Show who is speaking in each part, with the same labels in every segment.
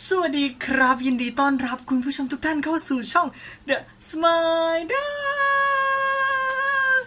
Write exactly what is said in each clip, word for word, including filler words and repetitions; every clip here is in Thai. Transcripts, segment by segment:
Speaker 1: สวัสดีครับยินดีต้อนรับคุณผู้ชมทุกท่านเข้าสู่ช่อง The Smile Dark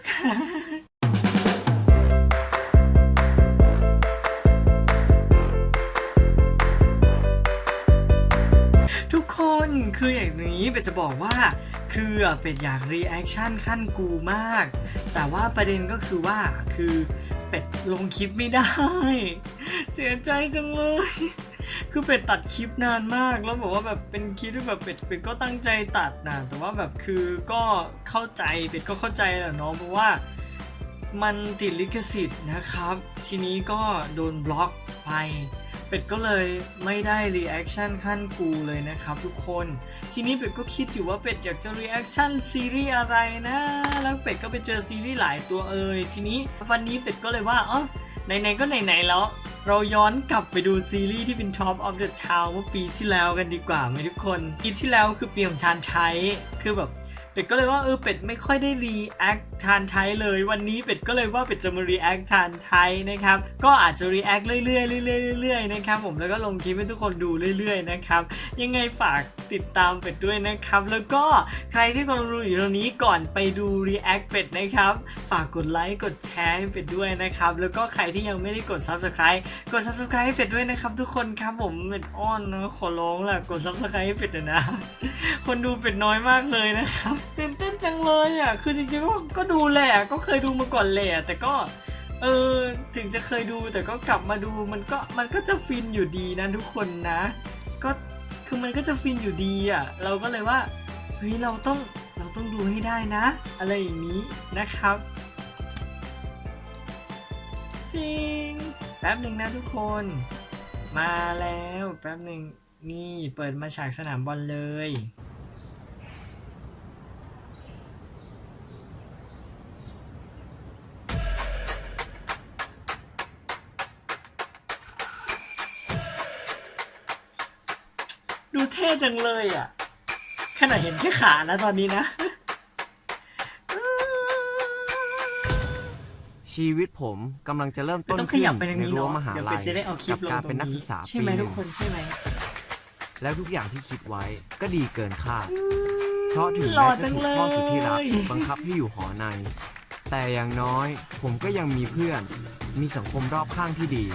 Speaker 1: ทุกคนคืออย่างนี้เป็ดจะบอกว่าคือเป็ดอยากรีแอคชั่นขั้นกูมากแต่ว่าประเด็นก็คือว่าคือเป็ดลงคลิปไม่ได้เสียใจจังเลยคือเป็ดตัดคลิปนานมากแล้วบอกว่าแบบเป็นคลิปที่แบบเป็ดเป็ดก็ตั้งใจตัดนะแต่ว่าแบบคือก็เข้าใจเป็ดก็เข้าใจแหละเนาะเพราะว่ามันติดลิขสิทธิ์นะครับทีนี้ก็โดนบล็อกไปเป็ดก็เลยไม่ได้รีแอคชั่นขั้นกูเลยนะครับทุกคนทีนี้เป็ดก็คิดอยู่ว่าเป็ดอยากจะรีแอคชั่นซีรีส์อะไรนะแล้วเป็ดก็ไปเจอซีรีส์หลายตัวเอ่ยทีนี้วันนี้เป็ดก็เลยว่าเออไหนๆก็ไหนๆแล้วเราย้อนกลับไปดูซีรีส์ที่เป็น Top of the Town เมื่อปีที่แล้วกันดีกว่าไหมทุกคนปีที่แล้วคือปีของทานไทยคือแบบเป็ดก็เลยว่าเออเป็ดไม่ค่อยได้รีแอคทานไทยเลยวันนี้เป็ดก็เลยว่าเป็ดจะมารีแอคทานไทยนะครับก็อาจจะรีแอคเรื่อยๆเรื่อยๆเรื่อยๆนะครับผมแล้วก็ลงคลิปให้ทุกคนดูเรื่อยๆนะครับยังไงฝากติดตามเป็ดด้วยนะครับแล้วก็ใครที่กำลังดูอยู่ตรงนี้ก่อนไปดูรีแอคเป็ดนะครับฝากกดไลค์กดแชร์ให้เป็ดด้วยนะครับแล้วก็ใครที่ยังไม่ได้กด ซับสไครบ์ กด ซับสไครบ์ ให้เป็ดด้วยนะครับทุกคนครับผมเป็ดอ้อนนะขอร้องล่ะกด ซับสไครบ์ ให้เป็ดนะ คนดูเป็ดน้อยมากเลยนะครับตื่นเต้นจังเลยอ่ะคือจริงๆก็ก็ดูแหละก็เคยดูมาก่อนแหละแต่ก็เออถึงจะเคยดูแต่ก็กลับมาดูมันก็มันก็จะฟินอยู่ดีนะทุกคนนะก็คือมันก็จะฟินอยู่ดีอ่ะเราก็เลยว่าเฮ้ยเราต้องเราต้องดูให้ได้นะอะไรอย่างนี้นะครับจริงแป๊บหนึ่งนะทุกคนมาแล้วแป๊บหนึ่งนี่เปิดมาฉากสนามบอลเลยดูเท่จังเลยอ่ะขนาดเห็นแค่ขานะตอนนี้นะ
Speaker 2: ชีวิตผมกำลังจะเริ่มต้น
Speaker 1: ต้องข
Speaker 2: ขึ้น
Speaker 1: ยับไปทาง
Speaker 2: ใน
Speaker 1: นี้
Speaker 2: รั้ว
Speaker 1: เนาะ
Speaker 2: มหา
Speaker 1: เดี๋ยว
Speaker 2: ลั
Speaker 1: เป็
Speaker 2: ย
Speaker 1: ดจะได้เอาคลิป
Speaker 2: กับ
Speaker 1: ลง
Speaker 2: การ
Speaker 1: ตร
Speaker 2: เป็น
Speaker 1: ง
Speaker 2: นักศึ
Speaker 1: นี้
Speaker 2: กษา
Speaker 1: ใช่
Speaker 2: ปี
Speaker 1: ไหม
Speaker 2: ห
Speaker 1: ทุ
Speaker 2: นึ่
Speaker 1: ก
Speaker 2: ง
Speaker 1: คนใช่ไหม
Speaker 2: แล้วทุกอย่างที่คิดไว้ก็ดีเกินคาดเพราะถึง
Speaker 1: หล่อ
Speaker 2: แม้
Speaker 1: จั
Speaker 2: จะ
Speaker 1: ง
Speaker 2: ถูก
Speaker 1: เลย
Speaker 2: พ่อสุดที่รักบังคับให้อยู่หอใน แต่อย่างน้อยผมก็ยังมีเพื่อนมีสังคมรอบข้างที่ดี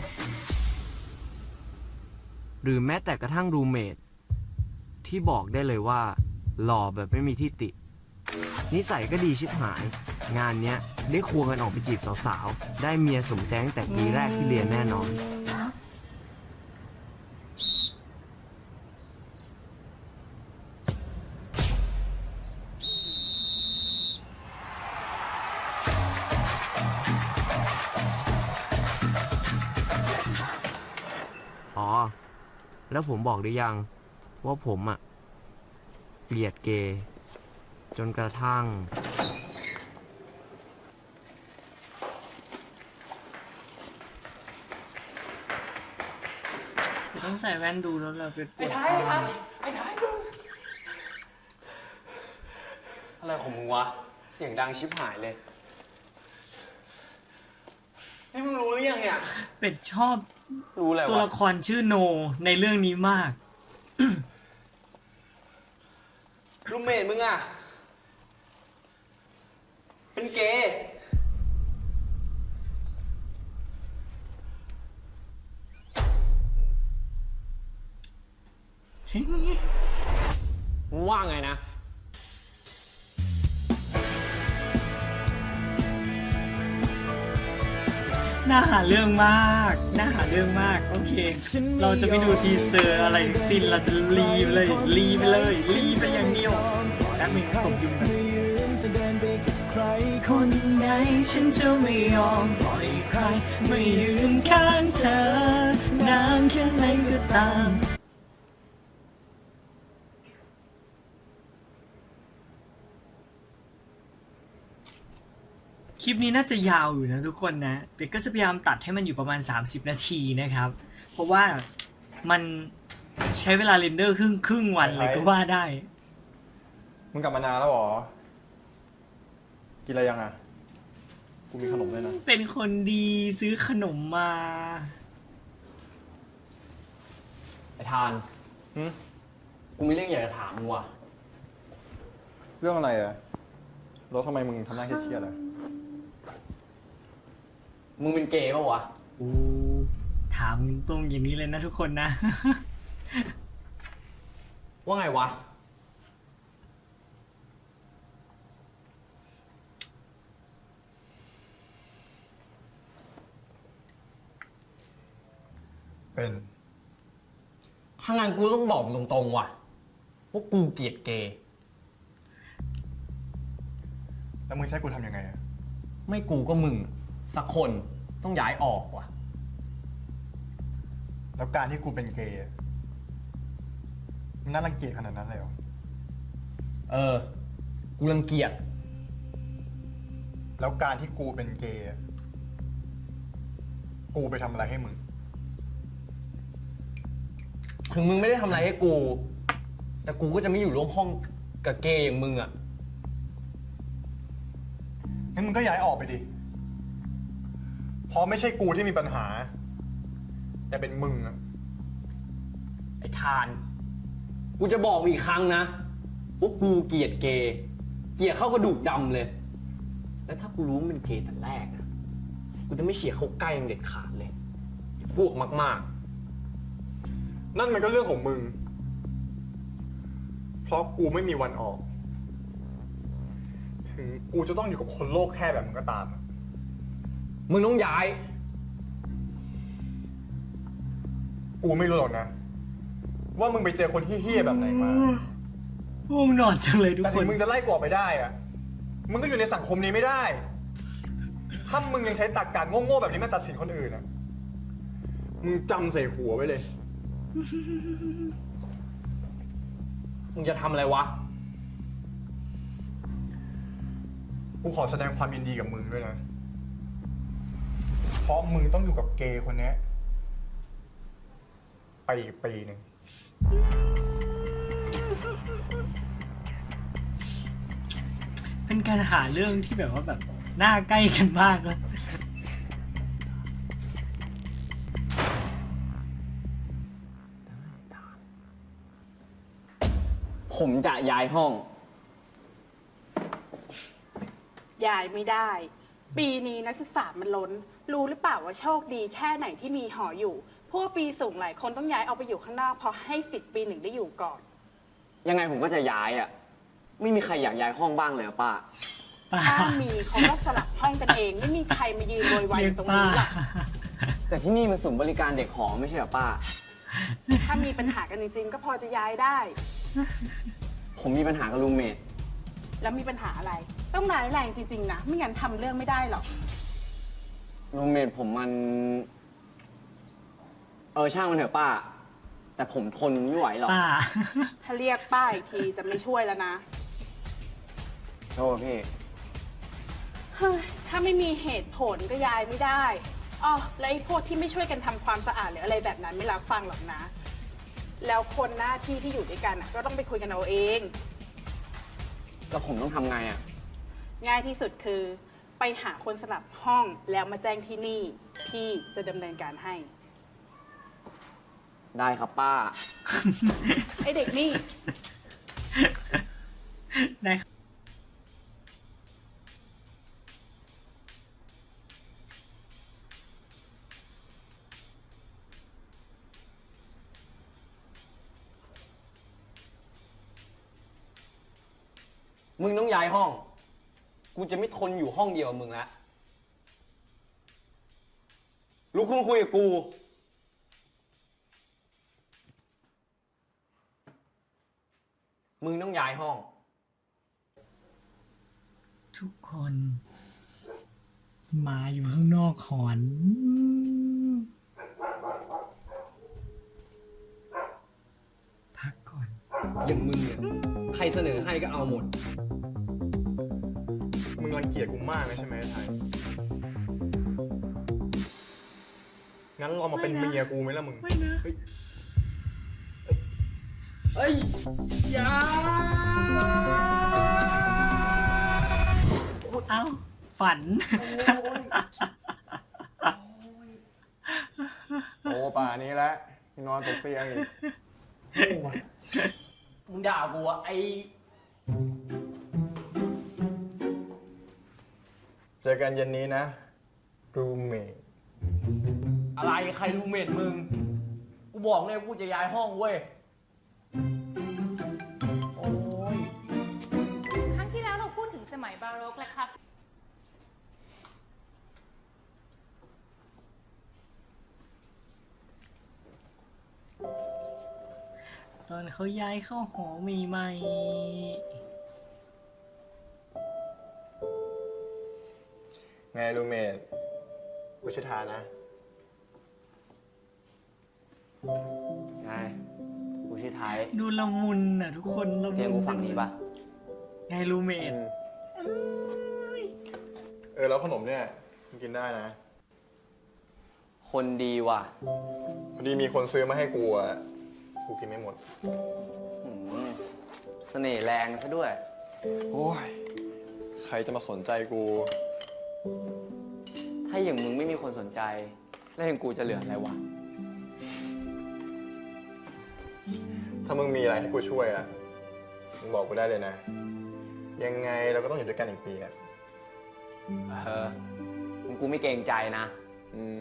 Speaker 2: หรือแม้แต่กระทั่งรูเมทที่บอกได้เลยว่าหล่อแบบไม่มีที่ตินิสัยก็ดีชิบหายงานเนี้ยได้ควงกันออกไปจีบสาวๆได้เมียสมใจตั้งแต่ปีแรกที่เรียนแน่นอนอ๋อแล้วผมบอกหรือยังว่าผมอะเกลียดเกย์จนกระทั่ง
Speaker 1: ต้องใส่แว่นดูแล้วเราเป็น
Speaker 3: ไอ้ท้ายไอ้ท้ายไอ้ท้ายมึงอะไรของมึงวะ เสียงดังชิบหายเลย นี่มึงรู้หรือยังเนี่ย
Speaker 1: เป็ดชอบ
Speaker 3: รู้อะไร
Speaker 1: ตัว
Speaker 3: วะ
Speaker 1: ละครชื่อโนในเรื่องนี้มาก
Speaker 3: รูมเมทมึงอะเป็นเกย์มึงว่าไงนะ
Speaker 1: น่าหาเรื่องมากน่าหาเรื่องมากโอเคเราจะไม่ดูทีเซอร์อะไรทั้งสิ้นเราจะรีไปเลยรีไปเลยรีไปอย่างเดียวแป๊บนึงผมยุ่งไปคนไหนฉันจะไม่ยอมปล่อยใครไม่ยืนข้างเธอนานแค่ไหนก็ตามคลิปนี้น่าจะยาวอยู่นะทุกคนนะเป็ดก็จะพยายามตัดให้มันอยู่ประมาณสามสิบนาทีนะครับเพราะว่ามันใช้เวลาเรนเดอร์ครึ่งครึ่งวันเลยก็ว่าได้
Speaker 4: มึงกลับมานานแล้วเหรอ กินอะไรยังอ่ะ กูมีขนมด้วยนะ
Speaker 1: เป็นคนดีซื้อขนมมา
Speaker 3: ไอ้ทาน
Speaker 4: หึ
Speaker 3: กูมีเรื่องอยากจะถามมึงว่ะ
Speaker 4: เรื่องอะไรอะแล้วทำไมมึงทำหน้าเครียดๆอะ
Speaker 3: มึงเป็นเกย์ปะวะ
Speaker 1: โอ้ถามตรงอย่างนี้เลยนะทุกคนนะ
Speaker 3: ว่าไงวะ
Speaker 4: เป็น
Speaker 3: ถ้างานกูต้องบอกมึงตรงๆว่ะว่ากูเกลียดเกย์
Speaker 4: แล้วมึงใช้กูทำยังไงอะ
Speaker 3: ไม่กูก็มึง สักคนต้องย้ายออกว่ะ
Speaker 4: แล้วการที่กูเป็นเกย์อะมันน่ารังเกียจขนาดนั้นเลยเหรอ
Speaker 3: เออ กูรังเกียจ
Speaker 4: แล้วการที่กูเป็นเกย์อะกูไปทำอะไรให้มึง
Speaker 3: ถึงมึงไม่ได้ทำอะไรให้กู แต่กูก็จะไม่อยู่ร่วมห้องกับเกย์อย่างมึงอ่ะ
Speaker 4: งั้นมึงก็ย้ายออกไปดิ เพราะไม่ใช่กูที่มีปัญหา แต่เป็นมึงอะ
Speaker 3: ไอ้ทาน กูจะบอกมึงอีกครั้งนะว่ากูเกลียดเกย์ เกลียดเข้ากระดูกดำเลย แล้วถ้ากูรู้ว่ามันเป็นเกย์แต่แรกนะกูจะไม่เฉียดเข้าใกล้มึงเด็ดขาดเลยไอ้พวกมาก
Speaker 4: นั่นมันก็เรื่องของมึง เพราะกูไม่มีวันออก ถึงกูจะต้องอยู่กับคนโลกแค่แบบมึงก็ตามอะ
Speaker 3: ๆ มึงต้องย้าย
Speaker 4: กูไม่รู้หรอกนะ ว่ามึงไปเจอคนเฮี้ยๆแบบไหนมา
Speaker 1: ง่วงนอนจังเลยทุก
Speaker 4: แต่
Speaker 1: ค
Speaker 4: ถึ
Speaker 1: น
Speaker 4: งมึงจะไล่กูออกไปได้อะมึงก็อยู่ในสังคมนี้ไม่ได้ ถ้ามึงยังใช้ตรรกะโง่ๆแบบนี้มาตัดสินคนอื่นอะมึงจำใส่หัวไว้เลย
Speaker 3: มึงจะทำอะไรวะ
Speaker 4: กูขอแสดงความยินดีกับมึงด้วยนะ เพราะมึงต้องอยู่กับเกย์คนเนี้ยไปอีกปีหนึ่ง
Speaker 1: เป็นการหาเรื่องที่แบบว่าแบบหน้าใกล้กันมากนะ
Speaker 3: ผมจะย้ายห้อง
Speaker 5: ย้ายไม่ได้ ปีนี้นักศึกษามันล้น รู้หรือเปล่าว่าโชคดีแค่ไหนที่มีหออยู่ พวกปีสูงหลายคนต้องย้ายออกไปอยู่ข้างนอกเพราะให้สิทธิ์ปีหนึ่งได้อยู่ก่อน
Speaker 3: ยังไงผมก็จะย้ายอ่ะ ไม่มีใครอยากย้ายห้องบ้างเลยอะป้า
Speaker 1: ป้า
Speaker 5: ถ้ามีเขาก็สลับห้องกันเอง ไม่มีใครมายืนโวยวาย
Speaker 1: เรี
Speaker 5: อย
Speaker 1: ก
Speaker 5: ยู่ตรง
Speaker 1: ป้า
Speaker 5: นี้หรอก
Speaker 3: แต่ที่นี่มันศูนย์บริการเด็กหอไม่ใช่เหรอป้า
Speaker 5: ถ้ามีปัญหากันจริงๆ ก็พอจะย้ายได้
Speaker 3: ผมมีปัญหากับรูมเมท
Speaker 5: แล้วมีปัญหาอะไร ต้องร้ายแรงจริงๆนะ ไม่งั้นทำเรื่องไม่ได้หรอก
Speaker 3: รูมเมทผมมัน เออช่างมันเถอะป้า แต่ผมทนไม่ไหวหรอก
Speaker 1: ป้า
Speaker 5: ถ้าเรียกป้าอีกทีจะไม่ช่วยแล้วนะ
Speaker 3: โทษพี่
Speaker 5: เฮ้ยถ้าไม่มีเหตุผลก็ย้ายไม่ได้อ๋อแล้วไอ้พวกที่ไม่ช่วยกันทำความสะอาดหรืออะไรแบบนั้นไม่รับฟังหรอกนะ แล้วคนหน้าที่ที่อยู่ด้วยกันน่ะก็ต้องไปคุยกันเอาเอง
Speaker 3: แล้วผมต้องทำไงอ่ะ
Speaker 5: ง่ายที่สุดคือ ไปหาคนสลับห้องแล้วมาแจ้งที่นี่ พี่จะดำเนินการให้
Speaker 3: ได้ครับป้า
Speaker 5: ไอเด็กนี่
Speaker 1: ได้
Speaker 3: มึงต้องย้ายห้อง กูจะไม่ทนอยู่ห้องเดียวกับมึงแล้วลุกขึ้นมาคุยกับกู มึงต้องย้ายห้อง
Speaker 1: ทุกคน มาอยู่ข้างนอกหอน พักก่อน
Speaker 3: อย่างมึงเนี่ย ใครเสนอให้ก็เอาหมด
Speaker 4: มึงรังเกียจกูมากนะใช่ไหมไทย งั้นลองมาเป็น
Speaker 1: ไม่นะ
Speaker 4: เมียกูไหมล่ะมึง
Speaker 1: ไม่นะ
Speaker 3: เอ้ย อย่า
Speaker 1: เอ้า ฝัน
Speaker 4: โอ้ป่านี้แล้วนอนตกเตียงอีก
Speaker 3: มึงด่ากูอะไอ
Speaker 4: เจอกันเย็นนี้นะ รูเมท
Speaker 3: อะไรใครรูเมทมึง กูบอกเลยกูจะย้ายห้องเว้ย โอ้ย
Speaker 6: ครั้งที่แล้วเราพูดถึงสมัยบาโรกและคลาสสิก
Speaker 1: ตอนเขาย้ายเข้าหอใหม่
Speaker 4: ไงรูเมทกูชื่อทานะ
Speaker 3: ไง กูชื่อไทย
Speaker 1: ๆดูละมุนอ่ะทุกคนละมุน
Speaker 3: เจอกูฝั่งนี้ปะ
Speaker 1: ไงรูเมท
Speaker 4: เออแล้วขนมเนี่ยมึงกินได้นะ
Speaker 3: คนดีว่ะ
Speaker 4: พอดีมีคนซื้อมาให้กูอ่ะ กูกินไม่หมด
Speaker 3: อืมเสน่ห์แรงซะด้วย
Speaker 4: โอ้ย ใครจะมาสนใจกู
Speaker 3: ถ้าอย่างมึงไม่มีคนสนใจ แล้วอย่างกูจะเหลืออะไรวะ
Speaker 4: ถ้ามึงมีอะไรให้กูช่วยอ่ะ มึงบอกกูได้เลยนะ ยังไงเราก็ต้องอยู่ด้วยกันอีกปีอ่ะ
Speaker 3: เออมึงกูไม่เกรงใจนะ
Speaker 4: อืม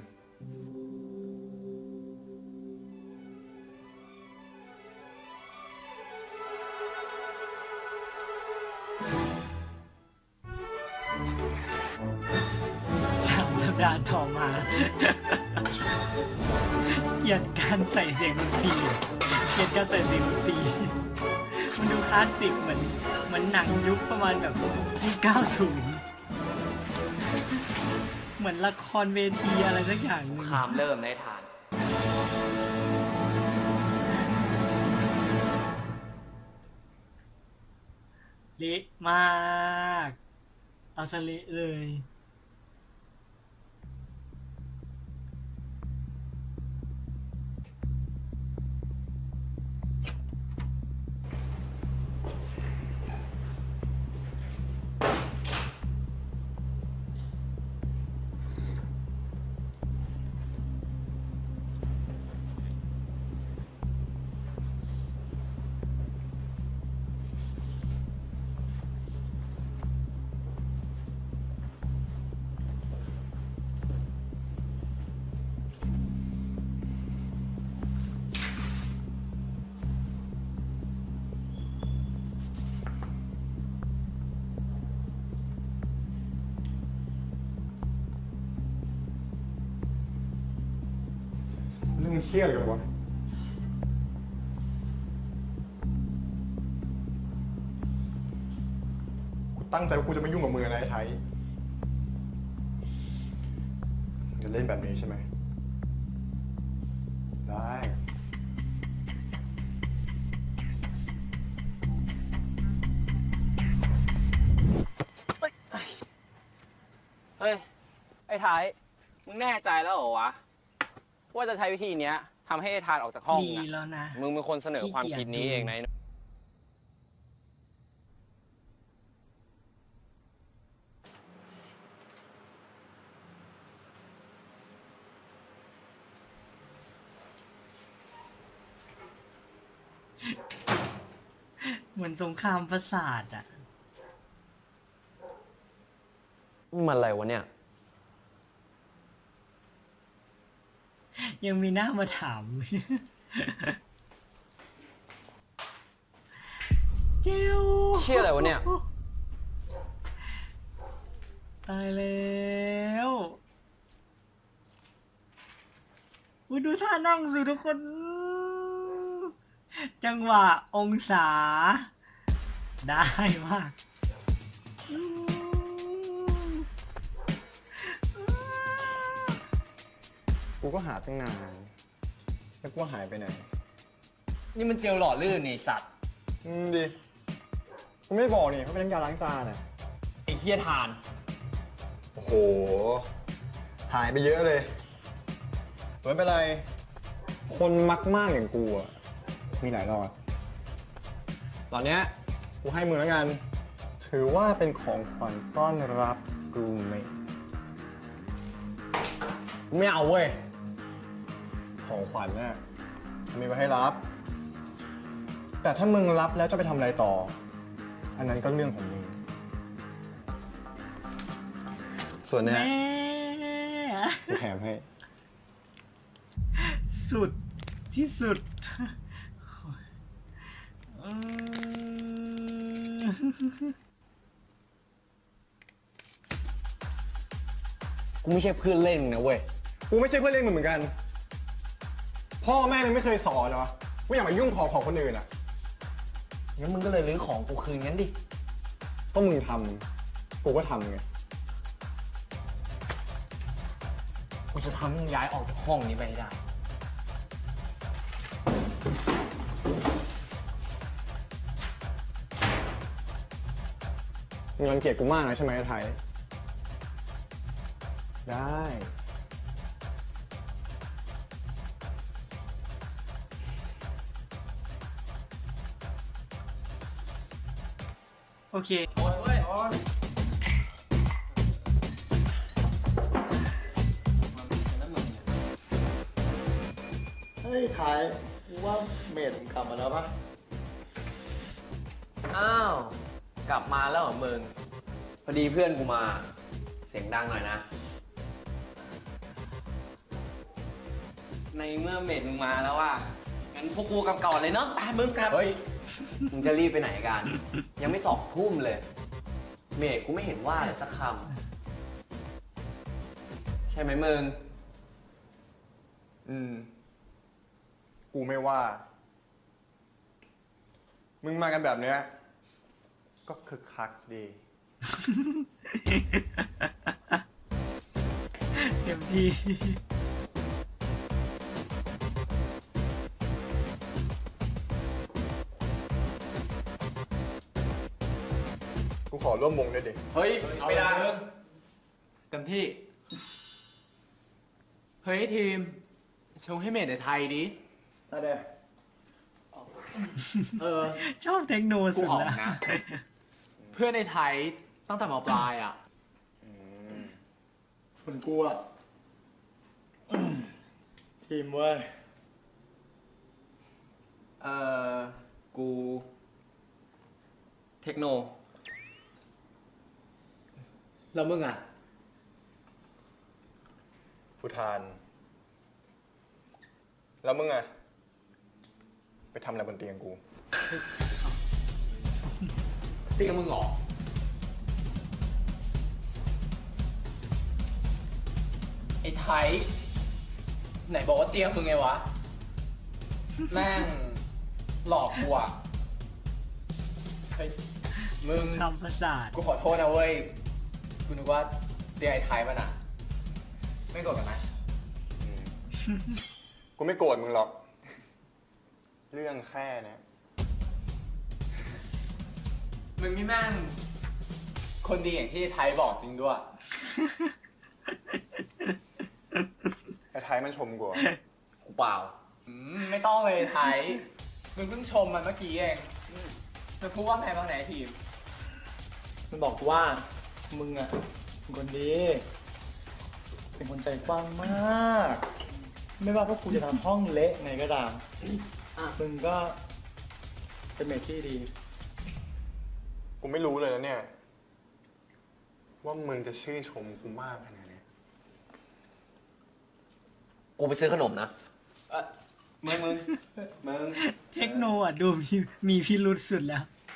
Speaker 1: สามสัปดาห์ต่อมา เกลียดการใส่เสียงดนตรีเกลียดการใส่เสียงดนตรีมันดูคลาสสิกเหมือนเหมือนหนังยุคประมาณแบบยุคเก้าสิบ เหมือนละครเวทีอะไรสักอย่างหนึง
Speaker 3: ขามเริ่มในฐาน
Speaker 1: เละมาก เอาซะเละเลย
Speaker 4: เรื่องเฮี้ยอะไรกันวะ กูตั้งใจว่ากูจะไม่ยุ่งกับมึงนะไอ้ไทยจะเล่นแบบนี้ใช่ไหม ได้
Speaker 3: เฮ้ย ไอ้ไทย มึงแน่ใจแล้วเหรอวะ ว่าจะใช้วิธีเนี้ยทำให้ไอ้ทานออกจากห้อง
Speaker 1: ดี
Speaker 3: นะ
Speaker 1: แล้วนะ
Speaker 3: มึงเป็นคนเสนอความคิดนี้เองนะ
Speaker 1: เหมือนสงครามประสาทอ่ะ
Speaker 3: มันอะไรวะเนี่ย
Speaker 1: ยังมีหน้ามาถาม เจ้า
Speaker 3: เชี่ยอะไรวะเนี่ย
Speaker 1: ตายแล้วอุ๊ยดูท่านั่งสิทุกคน จังหวะองศา ได้มาก
Speaker 4: กูก็หาตั้งนาน แล้วกูว่าหายไปไหน
Speaker 3: นี่มันเจลหล่อลื่นนี่สัตว์
Speaker 4: อืมดิ กูไม่บอกนี่เขาเป็นน้ำยาล้างจานอ่ะ
Speaker 3: ไอ้เฮียทาน
Speaker 4: โอ้โห หายไปเยอะเลยไม่เป็นไร คนมักมากอย่างกูอ่ะ มีหลายรอด ตอนเนี้ยกูให้มึงแล้วกัน ถือว่าเป็นของขวัญต้อนรับรูเมท
Speaker 3: ไม่เอาเว้ย
Speaker 4: ของขวัญน่ะมีไว้ให้รับแต่ถ้ามึงรับแล้วจะไปทำอะไรต่อ อันนั้นก็เรื่องของมึง ส่วนเนี้ย
Speaker 1: แม่
Speaker 4: กูแถมให้
Speaker 1: สุดที่สุดอืม
Speaker 3: กูไม่ใช่เพื่อนเล่นมึงนะเว้ย
Speaker 4: กูไม่ใช่เพื่อนเล่นมึงเหมือนกัน พ่อแม่มึงไม่เคยสอนเหรอว่าอย่ามายุ่งของของคนอื่นอ่ะ
Speaker 3: งั้นมึงก็เลยรื้อของกูคืนงั้นดิ
Speaker 4: ก็มึงทำกูก็ทำไง
Speaker 3: กูจะทำให้มึงย้ายออกจากห้องนี้ไปให้ได้
Speaker 4: มึงรังเกียจกูมากนะใช่ไหมไทย ได้
Speaker 1: โอเค
Speaker 4: เฮ้ยไทยกูว่าเมดมึงกลับมาแล้วปะ
Speaker 3: อ้าว กลับมาแล้วเหรอมึง พอดีเพื่อนกูมา เสียงดังหน่อยนะ ในเมื่อเมดมึงมาแล้วอ่ะ งั้นพวกกูกลับก่อนเลยเนาะไปมึงกลับ เฮ้ย มึงจะรีบไปไหนกัน ยังไม่สอบทุ่มเลย เมดกูไม่เห็นว่าเลยสักคำ ใช่ไหมมึง
Speaker 4: อืม กูไม่ว่า มึงมากันแบบเนี้ย ก็คึกคักดี
Speaker 1: เต็มที่
Speaker 4: กูขอร่วมวงด้วยดิ
Speaker 3: เฮ้ย ไม่ได้
Speaker 7: เต็มที่ เฮ้ยทีม ชงให้เมดในไทยดิ
Speaker 4: ได้เด้
Speaker 7: เออ
Speaker 1: ชอบเทคโน
Speaker 7: กู
Speaker 1: สุด
Speaker 7: ออก
Speaker 1: แล้ว
Speaker 7: นะ เพื่อนในไทยตั้งแต่มปลายอ่ะ
Speaker 4: คนกูอ่ะ ทีมเว้ย
Speaker 3: เอ่อ กู เทคโน
Speaker 7: แล้วมึงอ่ะ
Speaker 4: ผู้ทาน แล้วมึงอะไปทำอะไรบนเตียงกู
Speaker 7: ตีกับมึงเหรอ ไอ้ไทย ไหนบอกว่าเตรียมมึงไงวะ แม่ง หลอกกูอ่ะ เฮ้ย มึง
Speaker 1: คำประสาท
Speaker 7: กูขอโทษนะเว้ย กูนึกว่าเตียงไอ้ไทยมันอ่ะ ไม่โกรธกันนะ
Speaker 4: กูไม่โกรธมึงหรอก เรื่องแค่เนี้ย
Speaker 7: มึงนี่แม่ง คนดีอย่างที่ไทยบอกจริงด้วย
Speaker 4: ไอ้ไทยมันชมกูอะ
Speaker 3: กูเปล่า
Speaker 7: อืมไม่ต้องเลยไทย มึงเพิ่งชมมันเมื่อกี้เองมึงพูดว่าไงบ้างไหนทีม
Speaker 8: มันบอกว่า มึงอ่ะเป็นคนดี เป็นคนใจกว้างมาก ไม่ว่าพวกกูจะทำห้องเละไงก็ตามมึงก็เป็นเมทที่ดี
Speaker 4: กูไม่รู้เลยนะเนี่ย ว่ามึงจะชื่นชมกูมากขนาดเนี้ย
Speaker 3: กูไปซื้อขนมนะ เออมึงมึง มึง
Speaker 1: เทคโนอ่ะ ดูมีมีพิรุษสุดแล้ว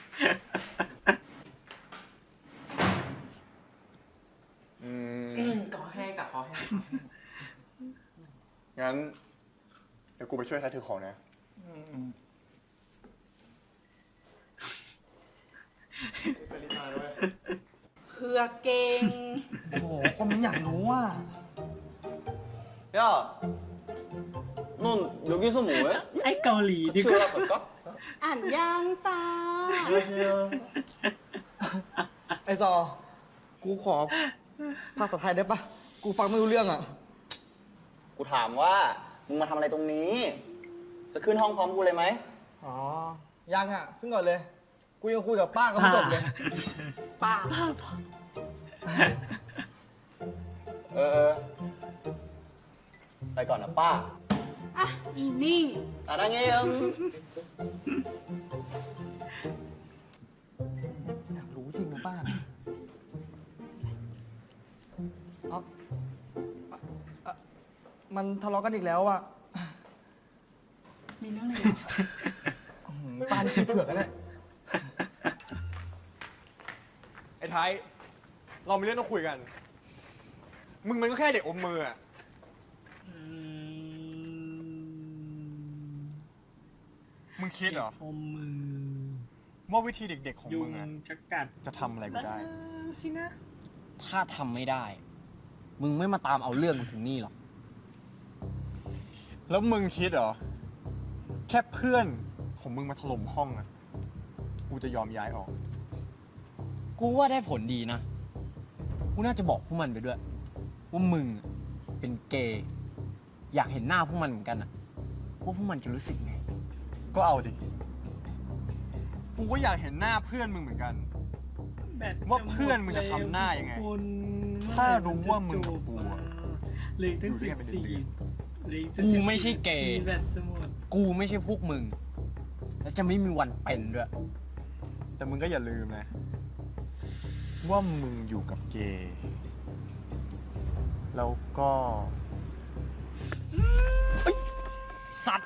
Speaker 4: อืม
Speaker 3: คอแห้งจากคอแห้ง
Speaker 4: งั้น เดี๋ยวกูไปช่วยไทยถือของนะ ไปรีบมาด้วย
Speaker 5: เพื่อเก่ง
Speaker 8: โอ้โห คนมันอยากรู้ว่า
Speaker 3: 야, 넌 여기서 뭐해?
Speaker 1: ไอ้เกาหลีดีกว่า
Speaker 3: 갈까?
Speaker 5: อ่านยังฟ้า
Speaker 8: ไอซอ กูขอภาษาไทยได้ปะ กูฟังไม่รู้เรื่องอ่ะ
Speaker 9: กูถามว่า มึงมาทำอะไรตรงนี้ จะขึ้นห้องพร้อมกูเลยไหม
Speaker 8: อ๋อ ยังอ่ะขึ้นก่อนเลย กูยังคุยกับป้าก็ไม่จบเลย
Speaker 5: ป้า
Speaker 9: เออเออ ไปก่อนนะป้า
Speaker 5: อ่ะ อีนี่
Speaker 9: อ่ะนั่งเอง
Speaker 8: มันทะเลาะกันอีกแล้วอ่ะ
Speaker 5: มีเรื่องอะไร
Speaker 8: ปานขี้เผือกกันเลย
Speaker 4: ไอ้ไทย เรามีเรื่องต้องคุยกัน มึงมันก็แค่เด็กอมมืออะ
Speaker 1: อืม
Speaker 4: มึงคิดเหรอ
Speaker 1: อมมือ
Speaker 4: ว่าวิธีเด็กๆของ
Speaker 1: ยุ
Speaker 4: มึ
Speaker 1: ง
Speaker 4: งอะ
Speaker 1: จะกัด
Speaker 4: จะทำอะไรกูได้
Speaker 1: สินะ
Speaker 3: ถ้าทำไม่ได้ มึงไม่มาตามเอาเรื่องกูถึงนี่หรอก
Speaker 4: แล้วมึงคิดเหรอ แค่เพื่อนของมึงมาถล่มห้องอะกูจะยอมย้ายออก
Speaker 3: กูว่าได้ผลดีนะ กูน่าจะบอกพวกมันไปด้วย ว่ามึงเป็นเกย์อยากเห็นหน้าพวกมันเหมือนกันอะว่าพวกมันจะรู้สึกไง
Speaker 4: ก็เอาดิ กูก็อยากเห็นหน้าเพื่อนมึงเหมือนกัน
Speaker 1: แบต
Speaker 4: ว่าเพื่อนมึงจะทำหน้ายังไง
Speaker 1: ทุกคน
Speaker 4: ถ้ารู้ว่ามึงกับกูอะ
Speaker 1: เหลยตั้ง
Speaker 4: อยู่ด้
Speaker 1: สิ
Speaker 4: วย
Speaker 1: บ
Speaker 4: กันเป็น
Speaker 1: สี่
Speaker 4: เดือน
Speaker 1: เหลืออีตั้ง
Speaker 3: กู
Speaker 1: สิบสี่
Speaker 3: ไม่ใช่เกย์
Speaker 1: มีแบตจะหมด
Speaker 3: กูไม่ใช่พวกมึง และจะไม่มีวันเป็นด้วย
Speaker 4: แต่มึงก็อย่าลืมนะ ว่ามึงอยู่กับเกย์แล้วก็
Speaker 3: สัตว์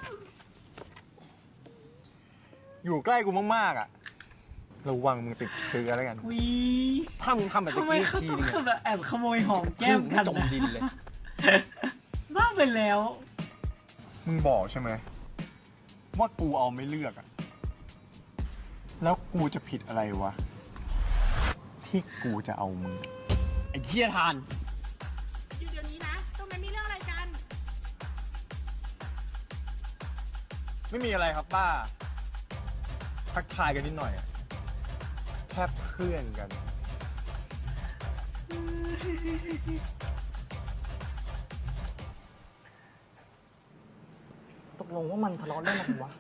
Speaker 4: อยู่ใกล้กูมากๆอ่ะ ระวังมึงติดเชื้อแล้วกัน
Speaker 1: วิ
Speaker 3: ถ้ามึงทำแบบตะ
Speaker 1: ทำไม
Speaker 3: กี้
Speaker 1: เขา
Speaker 3: ที
Speaker 1: ต้อง
Speaker 3: นึง
Speaker 1: เข้า
Speaker 3: อะ
Speaker 1: แบบแอบขโมยหอมแก้มกัน
Speaker 3: จม
Speaker 1: นะ
Speaker 3: ดินเลย
Speaker 1: บ้าไปแล้ว
Speaker 4: มึงบอกใช่ไหมว่ากูเอาไม่เลือกอะแล้วกูจะผิดอะไรวะ ที่กูจะเอามึง
Speaker 3: ไอ้เชี่ยทาน
Speaker 5: อยู่เดี๋ยวนี้นะ ตรงนั้นมีเรื่องอะไรกัน
Speaker 4: ไม่มีอะไรครับป้า ทักทายกันนิดหน่อยอะแค่เพื่อนกัน
Speaker 8: ตกลงว่ามันทะเลาะเรื่องอะไรวะ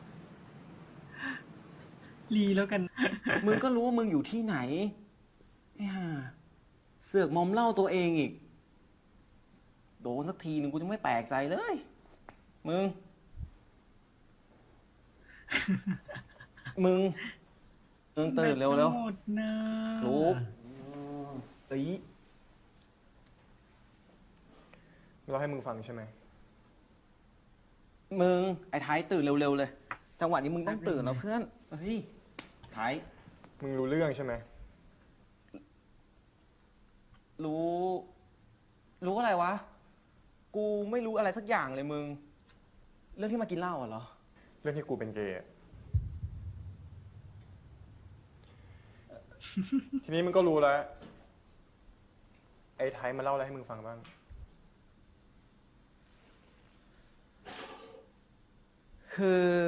Speaker 1: รีแล้วกัน
Speaker 3: มึงก็รู้ว่ามึงอยู่ที่ไหนไอ้ห่าเสือกมอมเหล่าตัวเองอีก โดนสักทีหนึ่งกูจะไม่แปลกใจเลย มึง มึงมึงตื่นเร็ว
Speaker 1: แบต
Speaker 3: เร็ว
Speaker 1: จะหมดนะ
Speaker 3: ลุกตี
Speaker 4: เราให้มึงฟังใช่ไหม
Speaker 3: มึง ไอ้ไทยตื่นเร็วๆเลย จังหวะนี้มึงต้องตื่นแล้วเพื่อน เฮ้ย ไทย
Speaker 4: มึงรู้เรื่องใช่ไหม
Speaker 3: รู้ รู้อะไรวะ กูไม่รู้อะไรสักอย่างเลยมึง เรื่องที่มากินเหล้าอ่ะเหรอ
Speaker 4: เรื่องที่กูเป็นเกย์อะ ทีนี้มึงก็รู้แล้ว ไอ้ไทยมาเล่าอะไรให้มึงฟังบ้าง
Speaker 3: คือ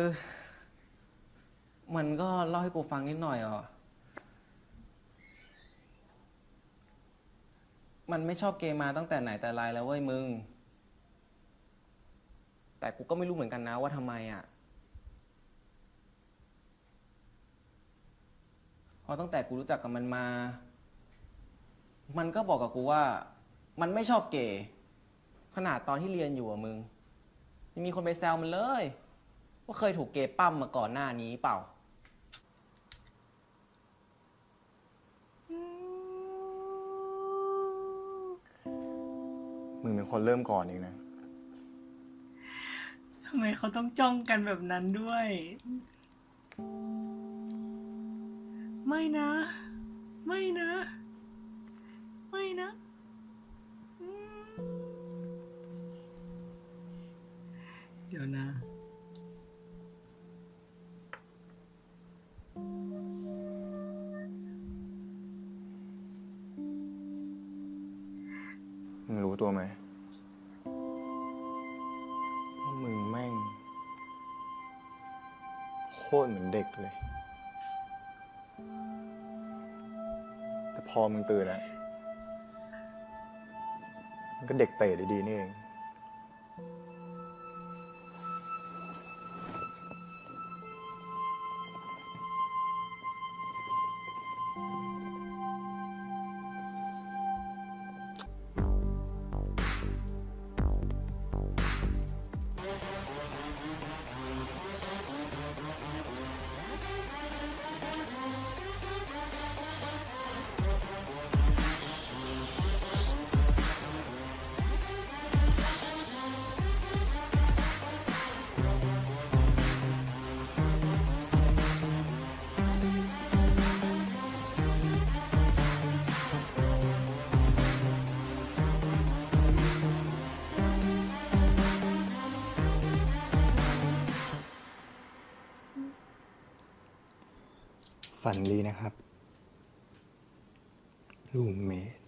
Speaker 3: มันก็เล่าให้กูฟังนิดหน่อยอ่ะ มันไม่ชอบเกย์มาตั้งแต่ไหนแต่ไรแล้วเว้ยมึง แต่กูก็ไม่รู้เหมือนกันนะว่าทำไมอ่ะ เพราะตั้งแต่กูรู้จักกับมันมา มันก็บอกกับกูว่า มันไม่ชอบเกย์ขนาดตอนที่เรียนอยู่อ่ะมึงยังมีคนไปแซวมันเลย ว่าเคยถูกเกย์ปั้มมาก่อนหน้านี้เปล่า
Speaker 4: มึงเป็นคนเริ่มก่อนเองนะ
Speaker 1: ทำไมเขาต้องจ้องกันแบบนั้นด้วย ไม่นะ ไม่นะ ไม่นะอืมเดี๋ยวนะ
Speaker 4: มึงรู้ตัวไหมว่ามึงแม่ง โคตรเหมือนเด็กเลย แต่พอมึงตื่นแล้วมันก็เด็กเตะดีๆนี่เองฝันดีนะครับ ลูกเมด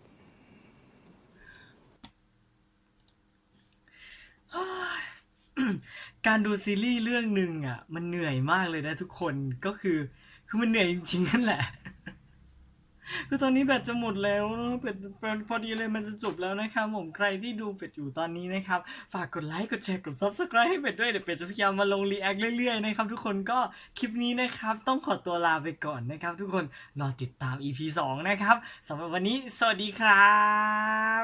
Speaker 1: การดูซีรีส์เรื่องหนึ่งอ่ะ มันเหนื่อยมากเลยนะทุกคนก็คือคือมันเหนื่อยจริงๆนั่นแหละ คือตอนนี้แบตจะหมดแล้วเนอะเป็ดเป็ดพอดีเลยมันจะจบแล้วนะครับผมใครที่ดูเป็ดอยู่ตอนนี้นะครับ ฝากกดไลค์กดแชร์กด ซับสไครบ์ ให้เป็ดด้วยเดี๋ยวเป็ดจะพยายามมาลงรีแอคเรื่อยๆนะครับทุกคนก็คลิปนี้นะครับต้องขอตัวลาไปก่อนนะครับ ทุกคนรอติดตาม อี พี สองนะครับสำหรับวันนี้สวัสดีครับ